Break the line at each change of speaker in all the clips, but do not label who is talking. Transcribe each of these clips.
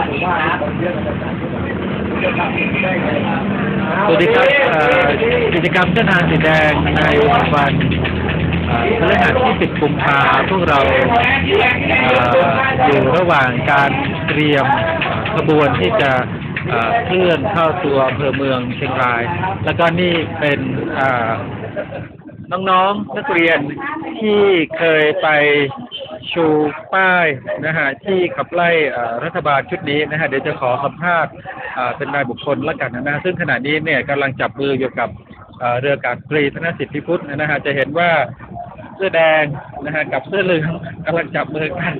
สวัสดีครับกิจกรรมเส้นทางสีแดงในวันพฤหัสที่10 กุมภาพันธ์พวกเราอยู่ระหว่างการเตรียมขบวนที่จะเคลื่อนเข้าตัวอำเภอเมืองเชียงรายแล้วก็นี่เป็นน้องๆนักเรียนที่เคยไปชูป้ายนะฮะที่ขับไล่รัฐบาลชุดนี้นะฮะเดี๋ยวจะขอสัมภาษณ์เป็นรายบุคคลแล้วกันนะซึ่งขณะนี้เนี่ยกำลังจับมืออยู่กับเรืออากาศตรีธนสิทธิพุทธนะฮะจะเห็นว่าเสื้อแดงนะฮะกับเสื้อเหลืองกำลังจับมือกัน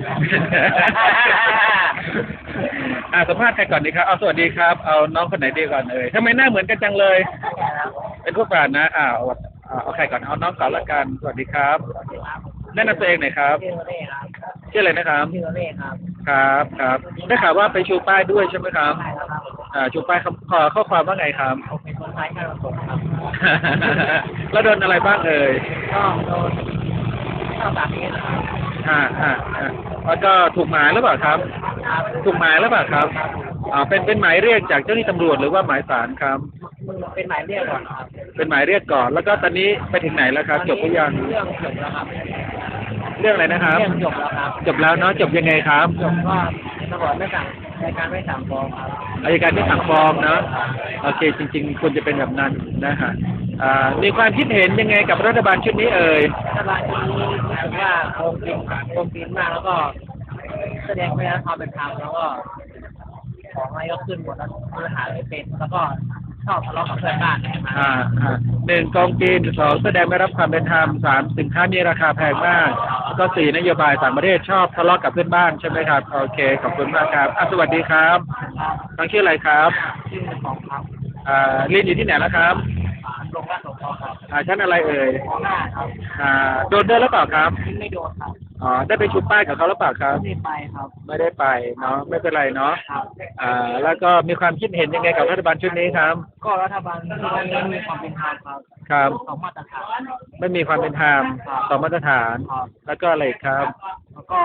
สัมภาษณ์ใครก่อนดีครับเอาสวัสดีครับเอาน้องคนไหนดีก่อนทำไมหน้าเหมือนกันจังเลยเป็นพวกป่านนะเอาใครก่อนเอาน้องก่อนละกันสวัสดีครับแนะนำตัวเองหน่อยครับชื่ออะไรนะครับครับได้ข่าวว่าไปชูป้ายด้วยใช่ไหมครับชูป้ายข้อความว่าไงครับ
เป็นคนไทยที่เราส่งครับ
แล้วโดนอะไรบ้างก็
โดนข้าวสารนี้นะครับ
แล้วก็ถูกหมายหรือเปล่าครับถูกหมายหรือเปล่าครับเป็นหมายเรียกจากเจ้าหน้าที่ตำรวจหรือว่าหมายศาลครับ
เป็นหมายเรียกก่อนครับ
เป็นหมายเรียกก่อนแล้วก็ตอนนี้ไปถึงไหนแล้วครับจบหรือยัง
เรื่องจบแล้วครับ
เรื่องอะไรนะครับ
เรื่องจบแล้วครับ
จบแล้วเนาะจบยังไงครับ
จบก็ตำรวจไม่สั่งในการไม่สั่งฟ้องครับ
อัยการไม่สั่งฟ้องเนาะโอเคจริงๆควรจะเป็นแบบนั้นนะฮะมีความคิดเห็นยังไงกับรัฐบาลชุดนี้
รัฐบาลชุดนี้รู้สึกว่าโกงกินมากแล้วก็แสดงไม่ได้ความเป็นธรรมแล้วก็ของอะไรก็ขึ้นหมดแล้วบริหารไม่เป็นแล้วก็ชอบทะเลาะกับเพื่อนบ้าน
1 กองกิน 2 แสดงไม่รับความเป็นธรรม 3 สินค้ามีราคาแพงมากก็4 นโยบายต่างประเทศชอบทะเลาะกับเพื่อนบ้านใช่ไหมครับโอเคขอบคุณมากครับสวัสดีครับน้องชื่ออะไรครับ
ชื่อของครับ
เรียนอยู่ที่ไหนแล้วครับ
โรงพยาบาลสงขลาครับ
ชั้นอะไร
ครับ
โดนด้วยหรือเปล่าครับ
ไม่โดนครับ
ได้ไปชูป้ายกับเขาหรือเปล่าครับ
ไม่ได้ไปครับ
ไม่ได้ไปเนาะไม่เป็นไรเนาะแล้วก็มีความคิดเห็นยังไงกับรัฐบาลชุดนี้ครับ
ก็รัฐบาลไม่มีความเป็นธรรม
ครับ
สองมาตรฐาน
ไม่มีความเป็นธรรมสองมาตรฐานแล้วก็อะไรครับ
แล้วก็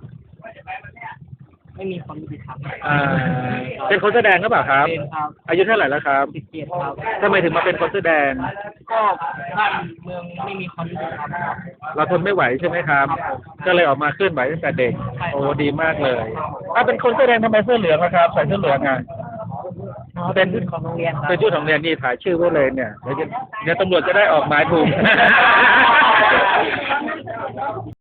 ไม่มีความยุติธรรม
เป็นคนแสดงหรือเปล่าครับ
เป็นครับ
อายุเท่าไหร่แล้วครับ
17ครับ
ทำไมถึงมาเป็นคนแสดง
ก็บ้านเมืองไม่มีความยุติธรรมครับ
เราทนไม่ไหวใช่ไหมครับก็เลยออกมาเคลื่อนไหวตั้งแต่เด็กโอ้ดีมากเลยเป็นคนแสดงทำไมเสื้อเหลืองครับใส่เสื้อเหลือง
เป็นชุดของโรงเรียนครับ
เป็นชุดของโรงเรียนนี่ถ่ายชื่อไว้เลยเนี่ยเดี๋ยวตำรวจจะได้ออกหมายถูก